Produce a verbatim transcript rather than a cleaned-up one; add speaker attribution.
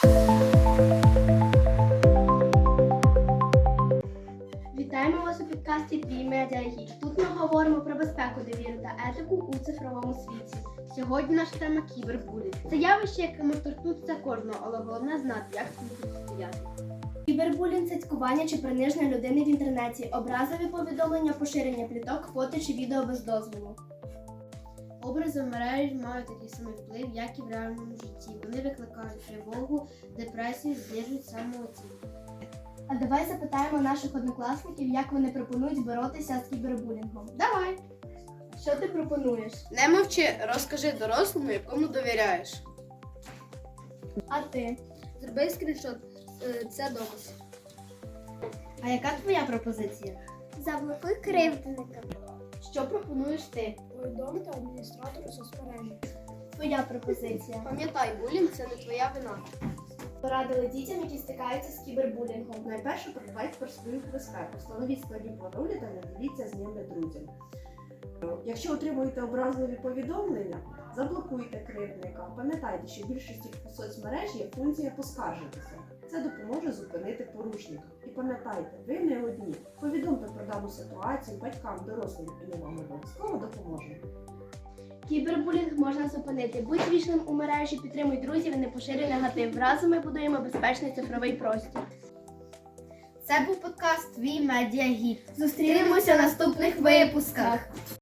Speaker 1: Вітаємо вас у підкасті «Твій медіагід». Тут ми говоримо про безпеку, довіру та етику у цифровому світі. Сьогодні наша тема – кібербулінг. Це явище, яке може торкнутися кожного, але головне знати, як з цим протистояти. Кібербулінг – це цькування чи приниження людини в інтернеті, образові повідомлення, поширення пліток, фото чи відео без дозволу. Образи в мережі мають такий самий вплив, як і в реальному житті. Вони викликають тривогу, депресію, знижують самооцінку. А давай запитаємо наших однокласників, як вони пропонують боротися з кібербулінгом. Давай! Що ти пропонуєш?
Speaker 2: Не мовчи, розкажи дорослому, якому довіряєш.
Speaker 1: А ти?
Speaker 2: Зроби скріншот, це доказ.
Speaker 1: А яка твоя пропозиція?
Speaker 3: Заблокуй кривдника.
Speaker 1: Що пропонуєш ти?
Speaker 3: Повідомити адміністратору соцмережі.
Speaker 1: Твоя пропозиція.
Speaker 2: Пам'ятай, булінг – це не твоя вина.
Speaker 1: Порадили дітям, які стикаються з кібербулінгом.
Speaker 4: Найперше подбайте про свою безпеку, встановіть складні паролі та не діліться з ними друзям. Якщо отримуєте образливі повідомлення, заблокуйте кривдника. Пам'ятайте, що в більшості соцмереж є функція «Поскаржитися». Це допоможе зупинити порушника. І пам'ятайте, ви не одні. Повідомте про дану ситуацію батькам, дорослим, і ми вам обов'язково допоможемо.
Speaker 1: Кібербулінг можна зупинити. Будь вічним у мережі, підтримуй друзів і не поширюй негатив. Разом ми будуємо безпечний цифровий простір.
Speaker 3: Це був подкаст «Твій медіагід».
Speaker 1: Зустрінемося в наступних випусках!